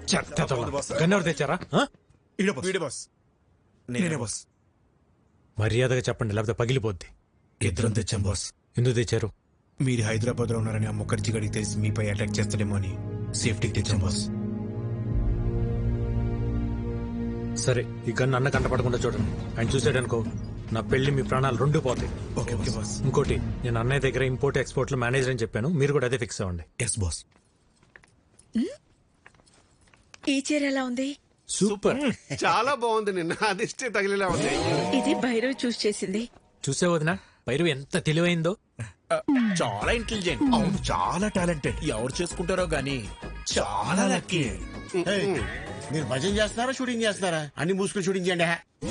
గన్నెవరు తెచ్చారా? వీడే బాస్. నేనే బాస్. మర్యాదగా చెప్పండి, లేకపోతే పగిలిపోద్ది. ఇద్దరం తెచ్చాం బాస్. ఎందుకు తెచ్చారు? మీరు హైదరాబాద్ లో ఉన్నారని ఆ ముఖర్జీ గడికి తెలిసి మీపై అటాక్ చేస్తాడేమో అని సేఫ్టీకి తెచ్చాం బాస్. సరే, ఈ గన్ను అన్న కంట పడకుండా చూడండి. ఆయన చూసాడనుకో, నా పెళ్లి మీ ప్రాణాలు రెండు పోతాయి. Okay boss. ఇంకోటి, నేను అన్నయ్య దగ్గర ఇంపోర్ట్ ఎక్స్పోర్ట్ లో మేనేజర్ అని చెప్పాను, మీరు కూడా అదే ఫిక్స్ అవ్వండి. Yes boss. ఈ చీర ఎలా ఉంది? సూపర్. చాలా బాగుంది. నిన్న అదిష్టే తగిలేలా ఉంది. ఇది భైరవ్ చూస్ చేసింది. చూసే వదినా, భైరవ్ ఎంత తెలివైందో. చాలా ఇంటెలిజెంట్. అవును, చాలా టాలెంటెడ్. ఎవరు చేసుకుంటారో గానీ చాలా లక్కీ. మీరు భజన చేస్తున్నారా షూటింగ్ చేస్తున్నారా? అన్ని మూసుకుని షూటింగ్ చేయండి.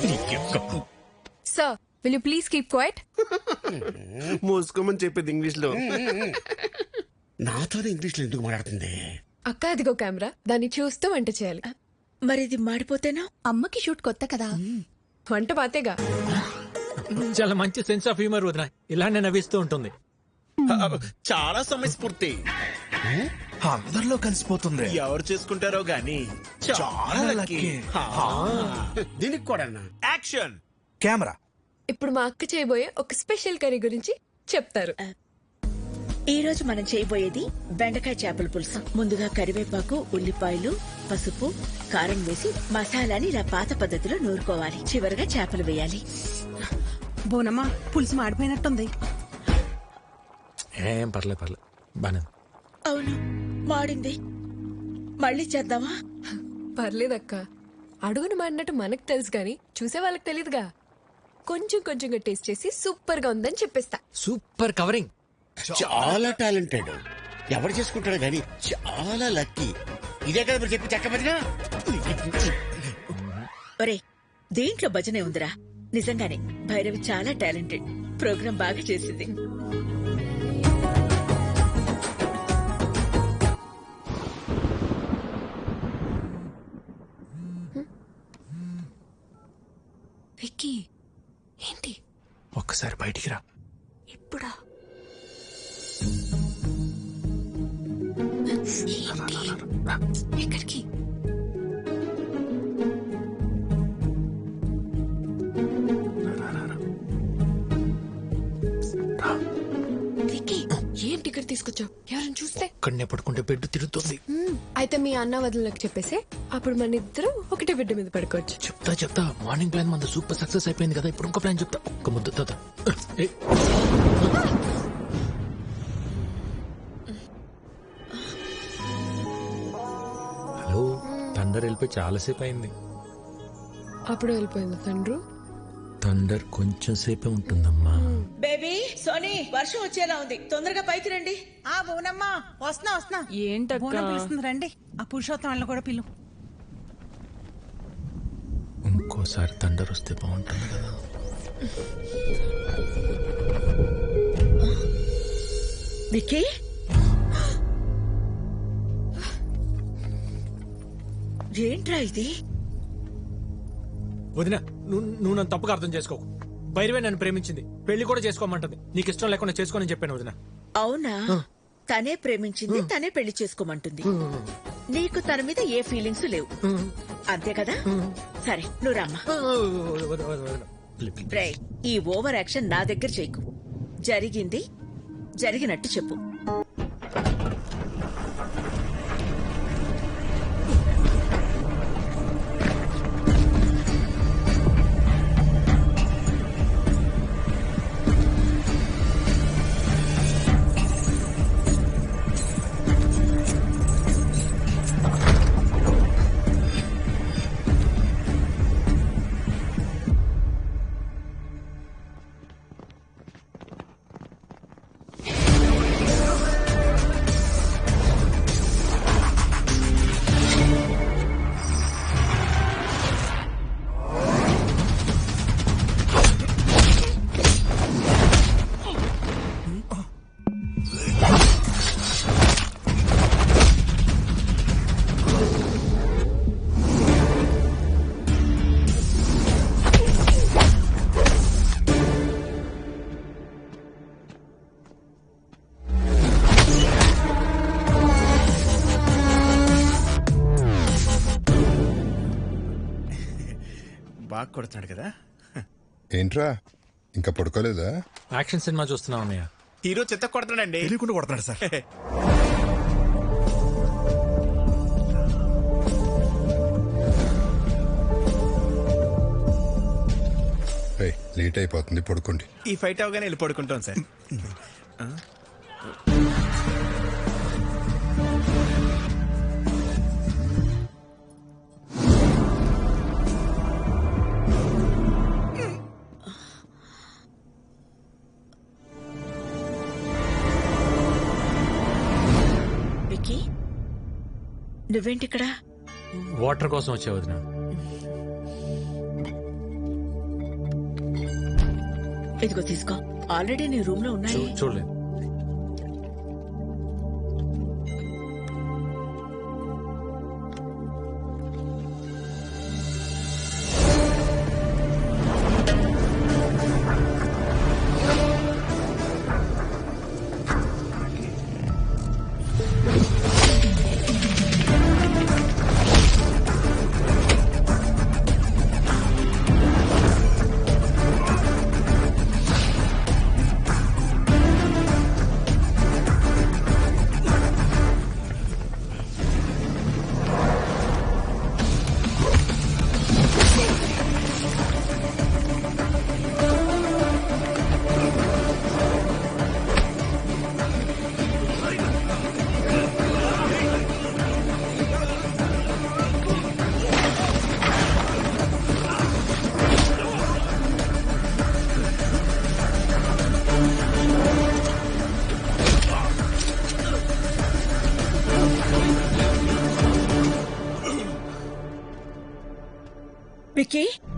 Sir, will you please keep quiet? మూసుకోమని చెప్పింది ఇంగ్లీష్ లో. నాతోనే ఇంగ్లీష్ లో ఎందుకు మాట్లాడుతుంది? అక్క, అదిగో కెమెరా, దాన్ని చూస్తూ వంట చేయాలి. మరి ఇది మాడిపోతేనా? అమ్మకి షూట్ కొత్త కదా, వంట పాతేగా. చాలా మంచి సెన్స్ ఆఫ్ హ్యూమర్ వదినా, ఇలానే నవ్విస్తూ ఉంటుంది. చాలా సమయస్ఫూర్తి. అందరిలో కలిసిపోతుంది. ఎవరు చేసుకుంటారో గానీ చాలా లక్కీ. దీనికి కూడా యాక్షన్. కెమెరా. ఇప్పుడు మా అక్క చేయబోయే ఒక స్పెషల్ కర్రీ గురించి చెప్తారు. ఈ రోజు మనం చేయబోయేది బెండకాయ చేపల పులుసు. ముందుగా కరివేపాకు, ఉల్లిపాయలు, పసుపు, కారం వేసి మసాలాని ఇలా పాత పద్ధతిలో నూరుకోవాలి. చివరగా చేపలు వేయాలి. బోనమ్మా, పులుసు మాడిపోయినట్టుంది. ఏం పర్లేదు బానే. అవును, మాడింది. మళ్ళీ చేద్దామా? పర్లేదక్క, అడుగును మాడినట్టు మనకు తెలుసు గాని చూసే వాళ్ళకి తెలియదుగా. కొంచెం కొంచెంగా టేస్ట్ చేసి సూపర్ గా ఉందని చెప్పేస్తా. Super covering. చాలా టాలెంటెడ్. ఎవరు చేసుకుంటాడు గానీ చాలా లక్కీ. ఇదే కదా మీరు చెప్పి చెక్క భజన. ఒరే, దేంట్లో భజనే ఉందిరా. నిజంగానే భైరవి చాలా టాలెంటెడ్. ప్రోగ్రాం బాగా చేసింది. విక్కీ, ఏంటి? ఒక్కసారి బయటికి రా. ఇప్పుడా? ఎక్కడికి? విక్కీ, ఏంటి ఇక్కడ తీసుకొచ్చావు? ఎవరైనా చూస్తే? ఒక్కడనే పడుకుంటే బెడ్ తిరుగుతుంది. అయితే మీ అన్న వదినలకు చెప్పేసి అప్పుడు మన ఇద్దరం ఒకటే బిడ్డ మీద పడుకోవచ్చు. చెప్తా. మార్నింగ్ ప్లాన్ మన సూపర్ సక్సెస్ అయిపోయింది కదా, ఇప్పుడు ఇంకో ప్లాన్ చెప్తా. ఒక్క ముద్ద తాత. హలో, థండర్ వెళ్ళిపోయి చాలాసేపు అయింది. అప్పుడు వెళ్ళిపోయింది తండ్రు. థండర్ కొంచెం సేపే ఉంటుందమ్మా. బేబీ, సోనీ, వర్షం వచ్చేలా ఉంది. తొందరగా పైకి రండి. ఆ బోనమ్మా, వస్తున్నా. ఏంటక్క? బోనం పిలుస్తుంది, రండి. ఆ పురుషోత్తం వాళ్ళని కూడా పిలు. ఇంకోసారి థండర్ వస్తే బాగుంటుంది కదా. విక్కీ, ఏంట్రా ఇది? వదినా, నువ్వు నన్ను తప్పుగా అర్థం చేసుకోకు. భైరవే నన్ను ప్రేమించింది, పెళ్లి కూడా చేసుకోమంటుంది. నీకు ఇష్టం లేకుండా చేసుకోని చెప్పాను వదినా. అవునా? తనే ప్రేమించింది, తనే పెళ్లి చేసుకోమంటుంది. నీకు తన మీద ఏ ఫీలింగ్స్ లేవు, అంతే కదా? సరే, నువ్వు రమ్మా. రేయ్, ఈ ఓవర్ యాక్షన్ నా దగ్గర చేయకు. జరిగింది జరిగినట్టు చెప్పు. బాగా కొడుతున్నాడు కదా. ఏంట్రా ఇంకా పడుకోలేదా? యాక్షన్ సినిమా చూస్తున్నాం అన్నయ్య. హీరో చెత్త కొడుతున్నాడండి. తెలియకుండా కొడుతున్నాడు సార్. రేయ్, లేట్ అయిపోతుంది, పడుకోండి. ఈ ఫైట్ అవగానే వెళ్ళి పడుకుంటాం సార్. విక్కీ నువ్వేంటి ఇక్కడ? వాటర్ కోసం వచ్చే వదిన. ఇదిగో తీసుకో, ఆల్రెడీ నీ రూమ్ లో ఉన్నాయి. చూడలేదు. విక్కీ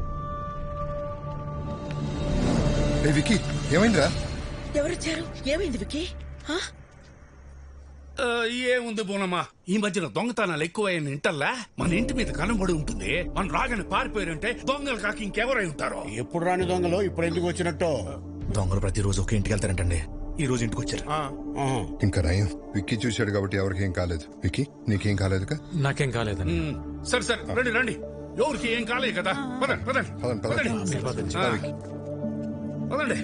రే వికీ, ఏమైందిరా? ఎవరొచ్చారు? ఏమైంది విక్కీ? హా? ఏముంది బోనమ్మా, ఈ మధ్యన దొంగతనాలు ఎక్కువైన ఇంటల్లా మన ఇంటి మీద కనబడి ఉంటుంది. మన రాగానే పారిపోయారంటే దొంగలు కాక ఇంకెవరై ఉంటారో. ఎప్పుడు రాని దొంగలు ఇప్పుడు ఎందుకు వచ్చినట్టు? దొంగలు ప్రతిరోజు ఒక ఇంటికి వెళ్తారంటండి. ఈ రోజు ఇంటికి వచ్చారు. ఆహా. ఇంకా నయం, విక్కీ చూశాడు కాబట్టి ఎవరికి ఏం కాలేదు. విక్కీ, నీకేం కాలేదుగా? నాకేం కాలేదని. సరే సరే, రండి రండి. ఎవరికి ఏం కాలేదు కదా. పదండి పదండి పదండి, పదండి. పదండి. ఆ. విక్కీ. పదండి.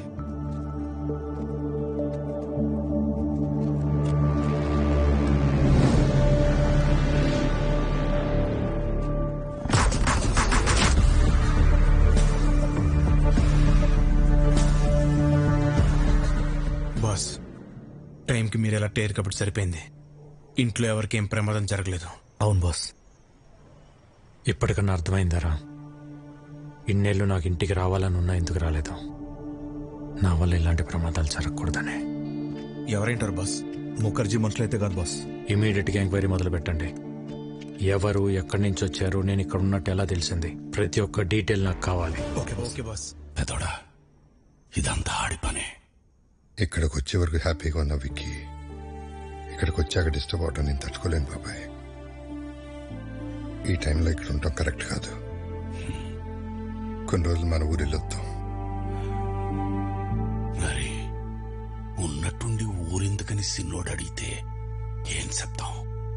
బాస్, టైంకి మీరు ఎలా టేరు కాబట్టి సరిపోయింది. ఇంట్లో ఎవరికి ఏం ప్రమాదం జరగలేదు. అవును బాస్. ఇప్పటికన్నా అర్థమైందారా? ఇన్నేళ్ళు నాకు ఇంటికి రావాలని ఉన్నా ఎందుకు రాలేదు? నా వల్ల ఇలాంటి ప్రమాదాలు జరగకూడదని. ఎవరేంటారు బాస్? ముఖర్జీ మనుషులైతే కాదు బాస్. ఇమీడియట్ గా ఎంక్వైరీ మొదలు పెట్టండి. ఎవరు, ఎక్కడి నుంచి వచ్చారు, నేను ఇక్కడ ఉన్నట్టు ఎలా తెలిసింది? ప్రతి ఒక్క డీటెయిల్ నాకు కావాలి. Okay boss. Okay boss. పెదోడా, ఇదంతా ఆడి పనే. ఇక్కడికి వచ్చే వరకు హ్యాపీగా ఉన్నా విక్కీ. ఇక్కడికి వచ్చాక డిస్టర్బ్ అవటం నేను తట్టుకోలేను బాబాయ్. ఈ టైంలో ఇక్కడ ఉండటం కరెక్ట్ కాదు. కొన్ని రోజులు మన ఊరు వెళ్ళొద్దాం. మరి ఉన్నట్టుండి ఊరెందుకని సిన్నోడు అడిగితే ఏం చెప్తాం?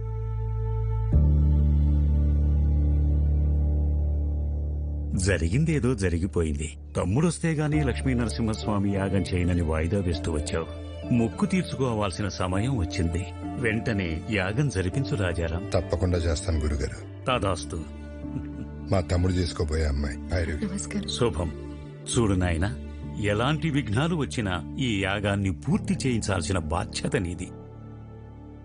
జరిగిందేదో జరిగిపోయింది. తమ్ముడొస్తే గానీ లక్ష్మీ నరసింహస్వామి యాగం చేయనని వాయిదా వేస్తూ వచ్చావు. మొక్కు తీర్చుకోవాల్సిన సమయం వచ్చింది. వెంటనే యాగం జరిపించు రాజారాం. తప్పకుండా చేస్తాను గురుగారు. తదాస్తు. మా తమ్ముడు చేసుకోబోయే అమ్మాయి భైరవి. శుభం. చూడు నాయనా, ఎలాంటి విఘ్నాలు వచ్చినా ఈ యాగాన్ని పూర్తి చేయించాల్సిన బాధ్యత నీది.